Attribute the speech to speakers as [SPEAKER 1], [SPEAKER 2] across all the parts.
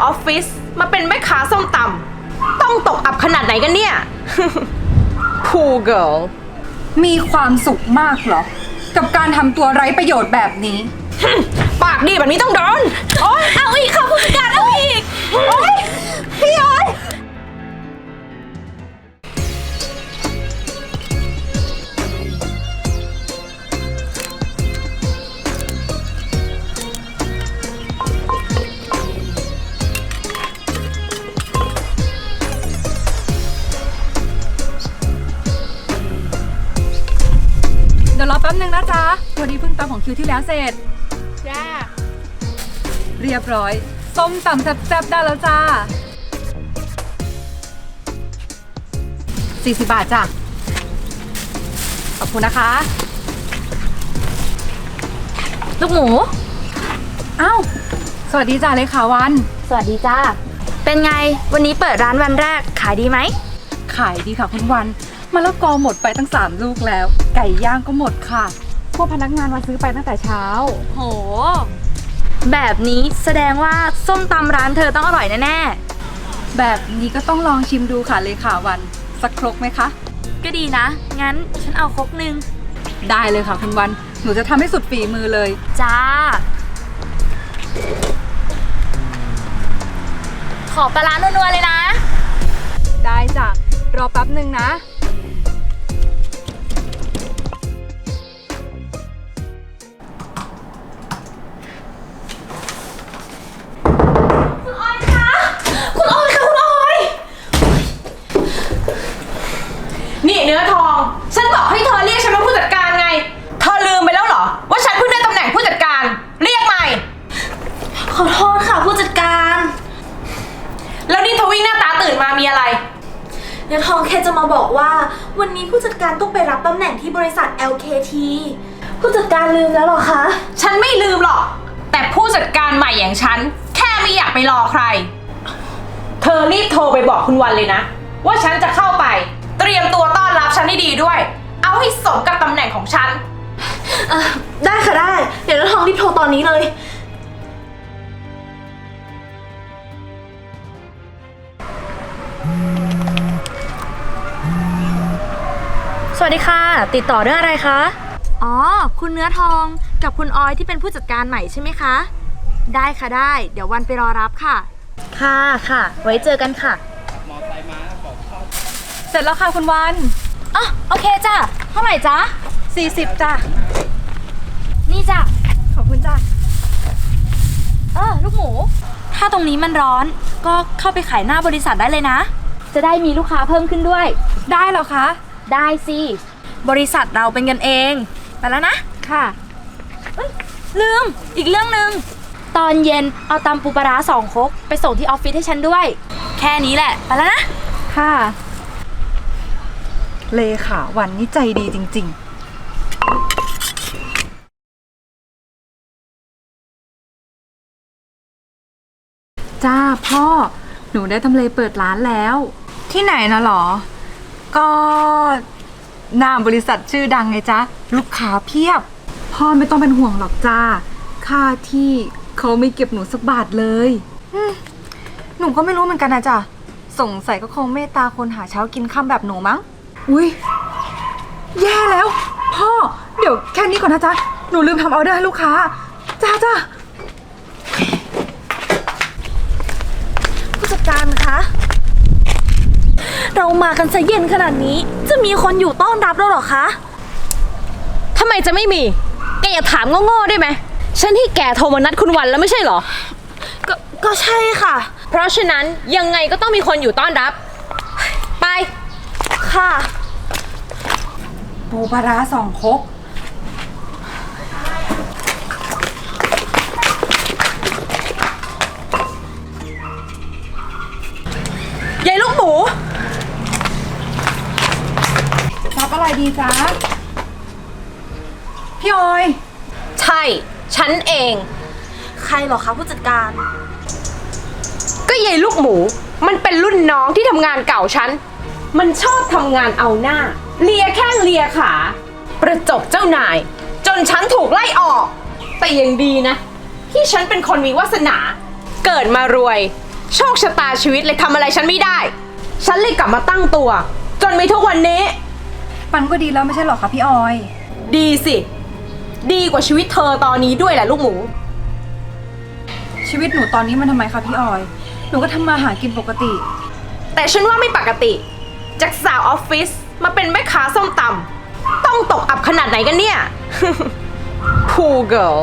[SPEAKER 1] อฟฟิศมาเป็นแม่ค้าส้มตำต้องตกอับขนาดไหนกันเนี่ย Poor girl
[SPEAKER 2] มีความสุขมากเหรอ กับการทำตัวไร้ประโยชน์แบบนี้
[SPEAKER 1] ปากดีแบบนี้ต้องโดนโอ๊ยเอาอีกค่ะผู้จัดการเอาอีกโอ๊ยพี่ย้อย
[SPEAKER 2] เดี๋ยวรอแป๊บนึงนะจ๊ะวันนี้เพิ่งตำของคิวที่แล้วเสร็จ
[SPEAKER 1] จ้า
[SPEAKER 2] เรียบร้อย ส้มตำแซ่บๆได้แล้วจ้า40 บาทจ้ะ ขอบคุณนะคะ
[SPEAKER 3] ลูกหมู
[SPEAKER 2] อ้าว สวัสดีจ้าเลขาวัน
[SPEAKER 3] สวัสดีจ้า เป็นไง วันนี้เปิดร้านวันแรก ขายดีไหม
[SPEAKER 2] ขายดีค่ะคุณวันมะละกอหมดไปตั้ง3 ลูกแล้ว ไก่ย่างก็หมดค่ะ พวกพนักงานมาซื้อไปตั้งแต่เช้า
[SPEAKER 3] โห แบบนี้แสดงว่าส้มตำร้านเธอต้องอร่อยแน่
[SPEAKER 2] แบบนี้ก็ต้องลองชิมดูค่ะเลขาวัน สักครกไหมคะ
[SPEAKER 3] ๆ ก็ดีนะ งั้นฉันเอาครกนึง
[SPEAKER 2] ได้เลยค่ะคุณวัน หนูจะทำให้สุดฝีมือเลย
[SPEAKER 3] จ้า ขอปลาร้านัวๆเลยนะ
[SPEAKER 2] ได้จ้ะ รอแป๊บหนึ่งนะ
[SPEAKER 1] คุณออยค่ะคุณออย นี่เนื้อทอง ฉันบอกให้เธอเรียกฉันว่าผู้จัดการไง เธอลืมไปแล้วเหรอ ว่าฉันเพิ่งได้ตำแหน่งผู้จัดการ เรียกใหม่
[SPEAKER 3] ขอโทษค่ะผู้จัดการ
[SPEAKER 1] แล้วนี่เธอวิ่งหน้าตาตื่นมามีอะไร
[SPEAKER 4] เนื้อทองแค่จะมาบอกว่าวันนี้ผู้จัดการต้องไปรับตำแหน่งที่บริษัท LKT ผู้จัดการลืมแล้วเหรอคะ
[SPEAKER 1] ฉันไม่ลืมหรอก แต่ผู้จัดการใหม่อย่างฉัน แค่ไม่อยากไปรอใคร เธอรีบโทรไปบอกคุณวันเลยนะ ว่าฉันจะเข้าไป เตรียมตัวต้อนรับฉันให้ดีด้วย เอาให้สมกับตำแหน่งของฉัน
[SPEAKER 4] ได้ค่ะได้ เดี๋ยวเนื้อทองรีบโทรตอนนี้เลย
[SPEAKER 3] สวัสดีค่ะ ติดต่อเรื่องอะไรคะ อ๋อ คุณเนื้อทองกับคุณออยที่เป็นผู้จัดการใหม่ใช่ไหมคะ ได้ค่ะได้ เดี๋ยววันไปรอรับค่ะ ค่ะค่ะ ไว้เจอกันค่ะ
[SPEAKER 2] เสร็จแล้วค่ะคุณวัน
[SPEAKER 3] อ๋อโอเคจ้ะ เท่าไหร่จ๊ะ
[SPEAKER 2] 40จ้ะ
[SPEAKER 3] นี่จ้ะ
[SPEAKER 2] ขอบคุณจ้ะ
[SPEAKER 3] ลูกหมู ถ้าตรงนี้มันร้อน ก็เข้าไปขายหน้าบริษัทได้เลยนะ จะได้มีลูกค้าเพิ่มขึ้นด้วย
[SPEAKER 2] ได้เหรอคะ
[SPEAKER 3] ได้สิ บริษัทเราเป็นกันเอง ไปแล้วนะ
[SPEAKER 2] ค่ะ
[SPEAKER 3] ลืม อีกเรื่องหนึ่ง ตอนเย็นเอาตำปูปลาร้า2 ครกไปส่งที่ออฟฟิศให้ฉันด้วย แค่นี้แหละ ไปแล้วนะ
[SPEAKER 2] ค่ะ เลขาวันนี่ใจดีจริงๆ จ้าพ่อ หนูได้ทำเลเปิดร้านแล้ว ที่ไหนนะหรอ ก็หน้าบริษัทชื่อดังไงจ๊ะ ลูกค้าเพียบ พ่อไม่ต้องเป็นห่วงหรอกจ้า ค่าที่เขาไม่เก็บหนูสักบาทเลยหนูก็ไม่รู้เหมือนกันนะจ๊ะ สงสัยก็คงเมตตาคนหาเช้ากินค่ำแบบหนูมั้ง อุ้ยแย่แล้ว พ่อ เดี๋ยวแค่นี้ก่อนนะจ๊ะ หนูลืมทำออเดอร์ให้ลูกค้า จ้า
[SPEAKER 4] ผู้จัดการคะ เรามากันซะเย็นขนาดนี้ จะมีคนอยู่ต้อนรับแล้วเหรอคะ
[SPEAKER 1] ทำไมจะไม่มี แกอย่าถามโง่ๆได้ไหม ฉันที่แกโทรมานัดคุณวันแล้วไม่ใช่เหรอ
[SPEAKER 4] ก็ใช่ค่ะ
[SPEAKER 1] เพราะฉะนั้นยังไงก็ต้องมีคนอยู่ต้อนรับ ไป
[SPEAKER 4] ค่ะ
[SPEAKER 2] ปูปลาร้า2 ครก
[SPEAKER 1] ยายลูกหมู
[SPEAKER 2] รับอะไรดีจ๊ะ พี่ออย
[SPEAKER 1] ใช่ ฉันเอง
[SPEAKER 4] ใครเหรอคะผู้จัดการ
[SPEAKER 1] ก็ยายลูกหมู มันเป็นรุ่นน้องที่ทำงานเก่าฉัน มันชอบทำงานเอาหน้า เลียแข้งเลียขา ประจบเจ้านาย จนฉันถูกไล่ออก แต่ยังดีนะ ที่ฉันเป็นคนมีวาสนา เกิดมารวยโชคชะตาชีวิตเลยทำอะไรฉันไม่ได้ ฉันเลยกลับมาตั้งตัว จนมีทุกวันนี้
[SPEAKER 2] ปันก็ดีแล้วไม่ใช่หรอคะพี่ออย
[SPEAKER 1] ดีสิ ดีกว่าชีวิตเธอตอนนี้ด้วยแหละลูกหมู
[SPEAKER 2] ชีวิตหนูตอนนี้มันทำไมคะพี่ออย หนูก็ทำมาหากินปกติ
[SPEAKER 1] แต่ฉันว่าไม่ปกติ จากสาวออฟฟิศมาเป็นแม่ค้าส้มตำต้องตกอับขนาดไหนกันเนี่ย Poor girl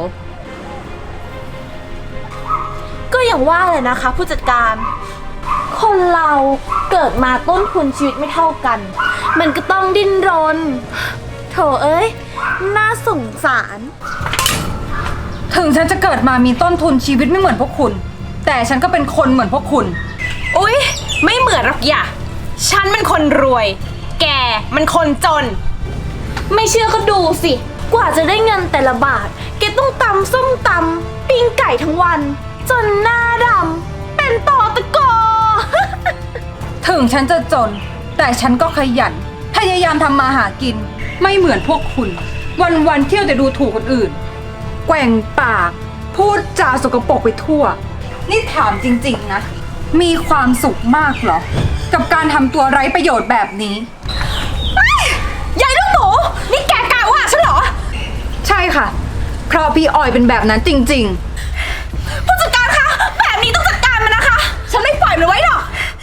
[SPEAKER 4] ก็อย่างว่าเลยนะคะผู้จัดการ คนเราเกิดมาต้นทุนชีวิตไม่เท่ากัน มันก็ต้องดิ้นรน โถเอ้ย น่าสงสาร
[SPEAKER 2] ถึงฉันจะเกิดมามีต้นทุนชีวิตไม่เหมือนพวกคุณ แต่ฉันก็เป็นคนเหมือนพวกคุณ
[SPEAKER 1] อุ๊ย ไม่เหมือนหรอกอย่าฉันมันคนรวย แกมันคนจน
[SPEAKER 4] ไม่เชื่อก็ดูสิ กว่าจะได้เงินแต่ละบาท แกต้องตำส้มตำปิ้งไก่ทั้งวัน จนหน้าดำเป็นต่อตะกอ
[SPEAKER 2] ถึงฉันจะจน แต่ฉันก็ขยัน พยายามทำมาหากิน ไม่เหมือนพวกคุณ วันๆเที่ยวแต่ดูถูกคนอื่น แกว่งปาก พูดจาสกปรกไปทั่ว นี่ถามจริงๆนะ มีความสุขมากเหรอ กับการทำตัวไร้ประโยชน์แบบนี้
[SPEAKER 1] ยายลูกหมู นี่แกกล้าว่าฉันเหรอ
[SPEAKER 2] ใช่ค่ะ เพราะพี่ออยเป็นแบบนั้นจริง
[SPEAKER 1] ผู้จัดการคะ แบบนี้ต้องจัดการมันนะคะ ฉันไม่ปล่อยมันไว้หรอก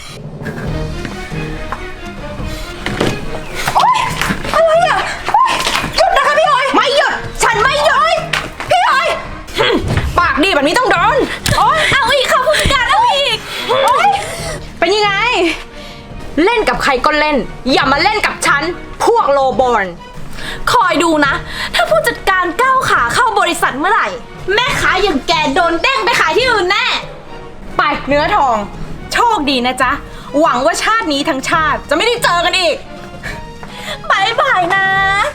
[SPEAKER 1] โอ๊ย อะไรอ่ะโอ๊ยหยุดนะคะพี่ออย ไม่หยุด ฉันไม่หยุด พี่ออยปากดีแบบนี้ต้องโดนโอ๊ย
[SPEAKER 4] เอาอีกค่ะผู้จัดการเอาอีก
[SPEAKER 1] โอ๊ย เป็นยังไง เล่นกับใครก็เล่น อย่ามาเล่นกับฉัน พวกโลบอล
[SPEAKER 4] คอยดูนะ ถ้าผู้จัดการก้าวขาเข้าบริษัทเมื่อไหร่ แม่ค้าอย่างแกโดนเด้งไปขายที่อื่นแน่
[SPEAKER 1] ไปเนื้อทอง โชคดีนะจ๊ะ หวังว่าชาตินี้ทั้งชาติจะไม่ได้เจอกันอีก
[SPEAKER 4] บายบายนะ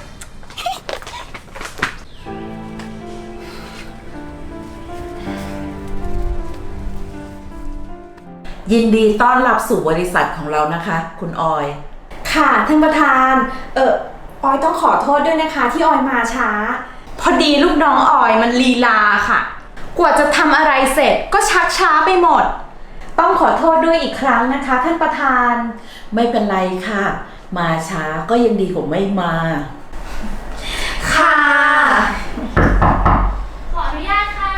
[SPEAKER 5] ยินดีต้อนรับสู่บริษัทของเรานะคะ คุณออย
[SPEAKER 4] ค่ะท่านประธาน ออยต้องขอโทษด้วยนะคะที่ออยมาช้า
[SPEAKER 1] พอดีลูกน้องออยมันลีลาค่ะ กว่าจะทำอะไรเสร็จก็ชักช้าไปหมด
[SPEAKER 4] ต้องขอโทษด้วยอีกครั้งนะคะ ท่านประธาน
[SPEAKER 5] ไม่เป็นไรค่ะ มาช้าก็ยังดีกว่าไม่มา
[SPEAKER 4] ค่ะ
[SPEAKER 3] ขออนุญาตค่ะ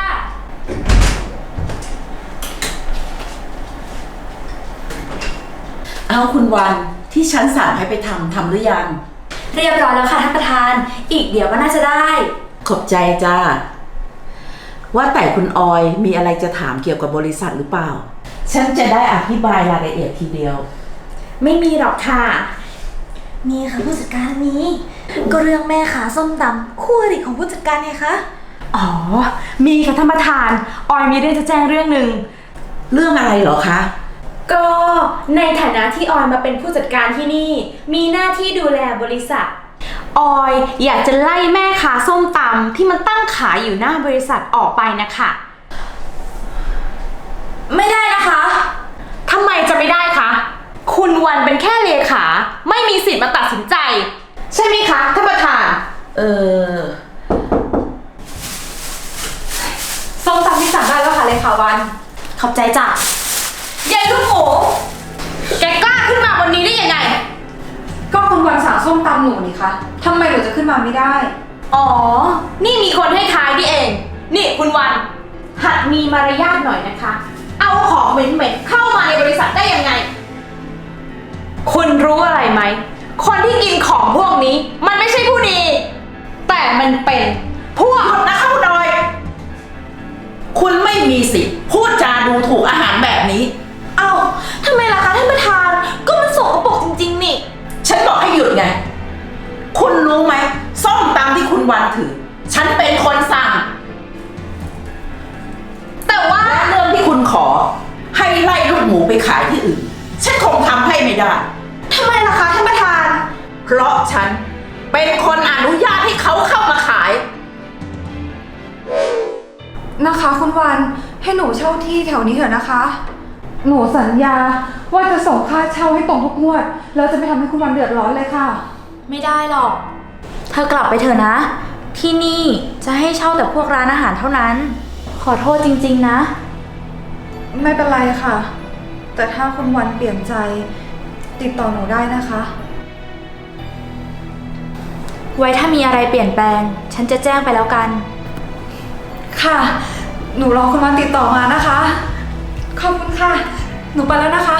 [SPEAKER 5] เอาคุณวันที่ฉันสั่งให้ไปทำหรือยัง
[SPEAKER 3] เรียบร้อยแล้วค่ะท่านประธาน อีกเดี๋ยวก็น่าจะได้
[SPEAKER 5] ขอบใจจ้า ว่าแต่คุณออยมีอะไรจะถามเกี่ยวกับบริษัทหรือเปล่า ฉันจะได้อธิบายรายละเอียดทีเดียว
[SPEAKER 4] ไม่มีหรอกค่ะมีค่ะผู้จัดการมีก็เรื่องแม่ขาส้มตำคู่อริของผู้จัดการไงคะ
[SPEAKER 1] อ๋อ มีค่ะท่านประธาน ออยมีเรื่องจะแจ้งเรื่องหนึ่ง
[SPEAKER 5] เรื่องอะไรเหรอคะ
[SPEAKER 4] ก็ในฐานะที่ออยมาเป็นผู้จัดการที่นี่ มีหน้าที่ดูแลบริษัท
[SPEAKER 1] ออยอยากจะไล่แม่ค้าส้มตำที่มันตั้งขายอยู่หน้าบริษัทออกไปนะคะ
[SPEAKER 4] ไม่ได้นะคะ
[SPEAKER 1] ทำไมจะไม่ได้คะ คุณวันเป็นแค่เลขา ไม่มีสิทธิ์มาตัดสินใจ ใช่ไหมคะท่านประธาน
[SPEAKER 2] ส้มตำที่สั่งได้แล้วค่ะเลยค่ะวัน
[SPEAKER 4] ขอบใจจ้ะ
[SPEAKER 1] ยายลูกหมู แกกล้าขึ้นมาวันนี้ได้ยังไง
[SPEAKER 2] ก็คุณวันสั่งส้มตำหนูนี่คะทำไมหนูจะขึ้นมาไม่ได้
[SPEAKER 1] อ๋อ นี่มีคนให้ท้ายนี่เอง นี่คุณวัน หัดมีมารยาทหน่อยนะคะ เอาของเหม็นๆเข้ามาในบริษัทได้ยังไง คุณรู้อะไรไหม คนที่กินของพวกนี้ มันไม่ใช่ผู้ดี แต่มันเป็นพวกนะคะคุณออย
[SPEAKER 5] คุณไม่มีสิทธิ์พูดจาดูถูกอาหารแบบนี้
[SPEAKER 4] เอ้าทำไมล่ะคะท่านประธาน ก็มันสกปรกจริงๆนี่
[SPEAKER 5] ฉันบอกให้หยุดไง คุณรู้ไหมส้มตำที่คุณวันถือ ฉันเป็นคนสั่ง
[SPEAKER 1] แต่ว่า
[SPEAKER 5] และเรื่องที่คุณขอ ให้ไล่ลูกหมูไปขายที่อื่น ฉันคงทำให้ไม่ได้
[SPEAKER 4] ทำไมล่ะคะท่านประธาน
[SPEAKER 5] เพราะฉันเป็นคนอนุญาตให้เขาเข้ามาขาย
[SPEAKER 2] นะคะคุณวันให้หนูเช่าที่แถวนี้เถอะนะคะ หนูสัญญาว่าจะส่งค่าเช่าให้ตรงทุกงวดแล้วจะไม่ทำให้คุณวันเดือดร้อนเลยค่ะ
[SPEAKER 3] ไม่ได้หรอก เธอกลับไปเถอะนะ ที่นี่จะให้เช่าแต่พวกร้านอาหารเท่านั้น ขอโทษจริงๆนะ
[SPEAKER 2] ไม่เป็นไรค่ะแต่ถ้าคุณวันเปลี่ยนใจติดต่อหนูได้นะคะ
[SPEAKER 3] ไว้ถ้ามีอะไรเปลี่ยนแปลง ฉันจะแจ้งไปแล้วกัน
[SPEAKER 2] ค่ะ หนูรอคุณวันติดต่อมานะคะ ขอบคุณค่ะ หนูไปแล้วนะคะ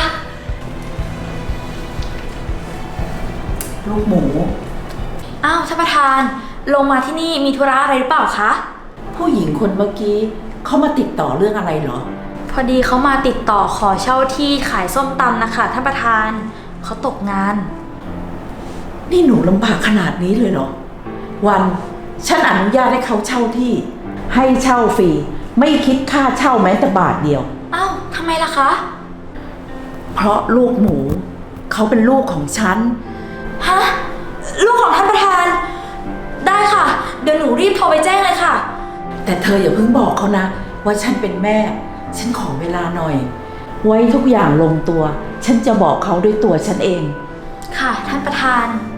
[SPEAKER 5] ลูกหมู
[SPEAKER 3] อ้าวท่านประธาน ลงมาที่นี่มีธุระอะไรหรือเปล่าคะ
[SPEAKER 5] ผู้หญิงคนเมื่อกี้เขามาติดต่อเรื่องอะไรเหรอ
[SPEAKER 3] พอดีเขามาติดต่อขอเช่าที่ขายส้มตำนะคะท่านประธาน เขาตกงาน
[SPEAKER 5] นี่หนูลำบากขนาดนี้เลยเหรอ วันฉันอนุญาตให้เขาเช่าที่ ให้เช่าฟรีไม่คิดค่าเช่าแม้แต่บาทเดียว
[SPEAKER 3] อ้าวทำไมล่ะคะ
[SPEAKER 5] เพราะลูกหมูเขาเป็นลูกของฉัน
[SPEAKER 3] ฮะ ลูกของท่านประธาน ได้ค่ะ เดี๋ยวหนูรีบโทรไปแจ้งเลยค่ะ
[SPEAKER 5] แต่เธออย่าเพิ่งบอกเขานะ ว่าฉันเป็นแม่ ฉันขอเวลาหน่อย ไว้ทุกอย่างลงตัว ฉันจะบอกเขาด้วยตัวฉันเอง
[SPEAKER 3] ค่ะท่านประธาน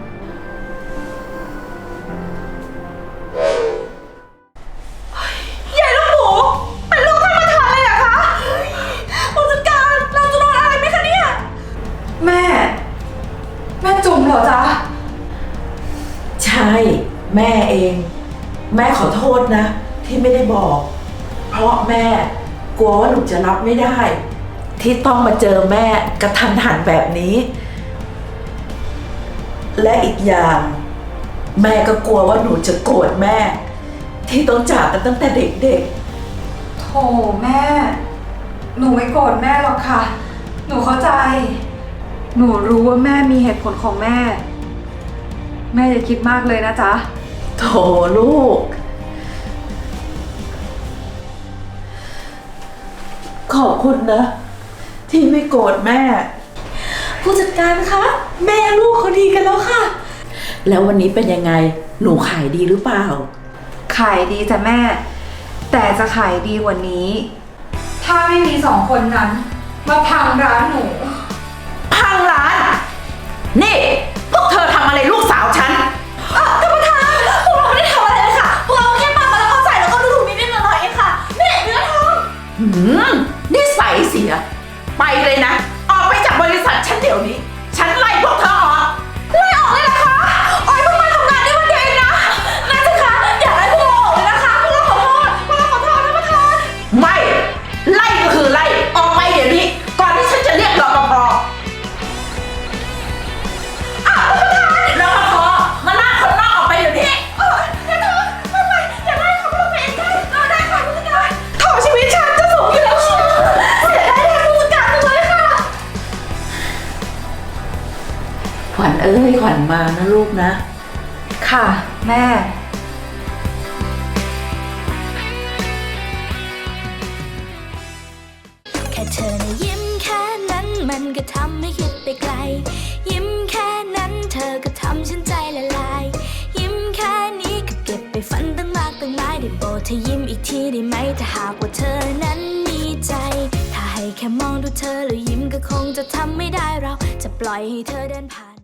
[SPEAKER 1] ใหญ่ลูกหมูเป็นลูกท่านประธานเลยเหรอคะผู้จัดการเราจะโดนอะไรไหมคะเนี่ย
[SPEAKER 2] แม่ แม่จุ๋มเหรอจ๊ะ
[SPEAKER 5] ใช่ แม่เอง แม่ขอโทษนะ ที่ไม่ได้บอก เพราะแม่กลัวว่าหนูจะรับไม่ได้ ที่ต้องมาเจอแม่กระทันหันแบบนี้ และอีกอย่าง แม่ก็กลัวว่าหนูจะโกรธแม่ ที่ต้องจากกันตั้งแต่เด็ก
[SPEAKER 2] โถแม่ หนูไม่โกรธแม่หรอกค่ะ หนูเข้าใจ หนูรู้ว่าแม่มีเหตุผลของแม่ แม่อย่าคิดมากเลยนะจ๊ะ
[SPEAKER 5] ๆ โถลูก ขอบคุณนะ ที่ไม่โกรธแม่
[SPEAKER 4] ผู้จัดการคะ แม่ลูกเขาดีกันแล้วค่ะ
[SPEAKER 5] แล้ววันนี้เป็นยังไง หนูขายดีหรือเปล่า
[SPEAKER 2] ขายดีจ้ะแม่ แต่จะขายดีกว่านี้ ถ้าไม่มีสองคนนั้น มาพังร้านหนู
[SPEAKER 5] พังร้าน นี่ พวกเธอทำอะไรลูกสาวฉัน
[SPEAKER 4] ท่านประธาน พวกเราไม่ได้ทำอะไรเลยค่ะ พวกเราแค่ปามาแล้วก็ใส่แล้วก็ดูถูกนิดๆหน่อยๆเองค่ะนี่เนื้อทอง
[SPEAKER 5] นิสัยเสีย ไปเลยนะ ออกไปจากบริษัทฉันเดี๋ยวนี้ ฉันไล่พวกเธอออก
[SPEAKER 4] ไล่ออกเลยเหรอคะออยเพิ่งมาทำงานได้วันเดียวเองนะนั่นสิคะอย่าไล่พวกเราออกเลยนะคะ พวกเราขอโทษท่านประธาน
[SPEAKER 5] ไม่ ไล่ก็คือไล่ ออกไปเดี๋ยวนี้ ก่อนที่ฉันจะเรียกรปภรปภมาลากคนนอกออกไปเดี๋ยวนี้
[SPEAKER 1] โถชีวิตฉันจะสูงอยู่แล้วเชียวเสียดายแทนผู้จัดการจังเลยค่ะ
[SPEAKER 5] ขวัญเอ้ย ขวัญมานะลูกนะ
[SPEAKER 2] ค่ะ แม่
[SPEAKER 6] แค่เธอนะยิ้มแค่นั้นมันก็ทำให้คิดไปไกล ยิ้มแค่นั้นเธอก็ทำฉันใจละลาย ยิ้มแค่นี้ก็เก็บไปฝันตั้งมากตั้งหลายได้โปรดเธอยิ้มอีกทีได้ไหมถ้าหากว่าเธอนั้นมีใจ ถ้าให้แค่มองดูเธอแล้วยิ้มก็คงจะทำไม่ได้เราจะปล่อยให้เธอเดินผ่าน